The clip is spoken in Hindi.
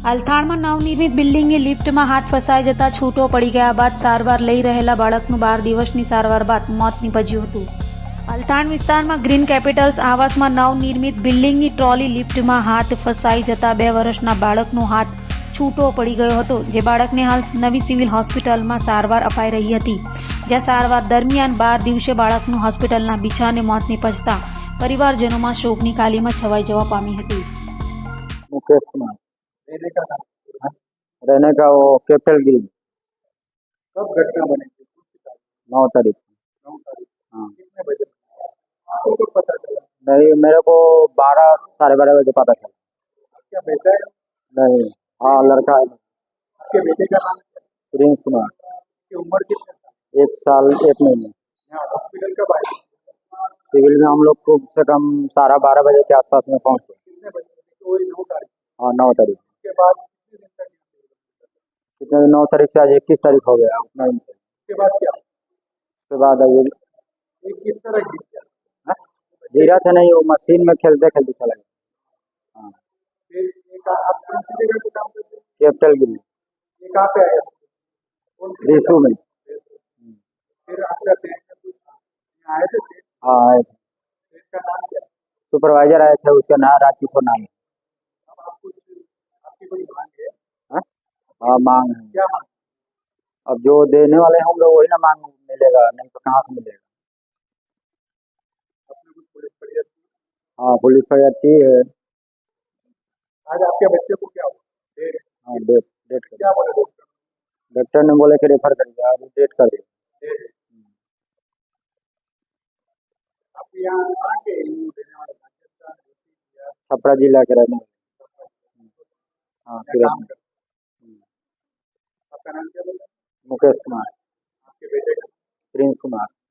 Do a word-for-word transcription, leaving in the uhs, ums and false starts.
અલથાણમાં નવનિર્મિત બિલ્ડિંગની લિફ્ટમાં હાથ ફસાઈ જતા છૂટો પડી ગયા બાદ સારવાર લઈ રહેલા બાળકનું બાર દિવસની સારવાર બાદ મોત નીપજ્યું હતું। અલથાણ વિસ્તારમાં ગ્રીન કેપિટલ્સ આવાસમાં નવનિર્મિત બિલ્ડિંગની ટ્રોલી લિફ્ટમાં હાથ ફસાઈ જતા બે વર્ષના બાળકનો હાથ છૂટો પડી ગયો હતો, જે બાળકને હાલ નવી સિવિલ હોસ્પિટલમાં સારવાર અપાઈ રહી હતી, જ્યાં સારવાર દરમિયાન બાર દિવસે બાળકનું હોસ્પિટલના બિછાને મોત નીપજતા પરિવારજનોમાં શોકની કાલીમાં છવાઈ જવા પામી હતી। मुकेश कुमार रहने का था रहने का वो कैपिटल ग्रीन। कब घटना बनी थी? नौ तारीख नौ तारीख। हाँ कितने बजे आपको कब पता चला? नहीं, मेरे को बारह साढ़े बारह बजे पता चला। क्या बेटा है? नहीं, हाँ लड़का है। आपके बेटे का नाम क्या है? प्रिंस कुमार। की उम्र कितने था? एक साल एक महीने। यहाँ हॉस्पिटल कब आए? सिविल में हम लोग को कम से कम साढ़े बारह बजे के आसपास में पहुंचे। कितने बजे? तो वही नौ तारीख। हाँ नौ तारीख। उसके बाद कितने दिन तक? कितने नौ तारीख से आज इक्कीस तारीख हो गया उतना ही। उसके बाद क्या? उसके बाद ये ये किस तरह गिर गया? हाँ? गिरा था नहीं, वो मशीन में खेलते खेलते चला गया। हाँ फिर ये कहाँ- आप कौन सी जगह पे काम करते हैं? कैपिटल ग्रीन ये कहाँ पे आया? कौन सी रिसू में। जगह? फिर आपका सेठ ने पूछा, यहाँ आए थे सेठ? हाँ आए थे। सेठ का नाम क्या है? सुपरवाइजर आए थे, उसका नाम राजकिशोर नाम है। अब आप कुछ आपकी कोई मांग है? हाँ? हाँ मांग है। क्या मांग? अब जो देने वाले होंगे वही ना मांग मिलेगा, नहीं तो कहाँ से मिलेगा। आपने कुछ पुलिस फरियाद की? हाँ पुलिस फरियाद की है। आज आपके बच्चे को क्या हुआ? डेट हाँ डेट डेट कर क्या बोले डॉक्टर? डॉक्टर ने बोले कि रेफर कर दिया, अभी डेट कर दिया। डेट है। आप यहाँ कहाँ के हिंदू देने वाले? राजस्थान, यूपी, बिहार? छपरा जिला के रहने वाले। हाँ क्या सूरत काम में। करते? आपका नाम क्या बोला? मुकेश कुमार। आपके बेटे का? प्रिंस कुमार।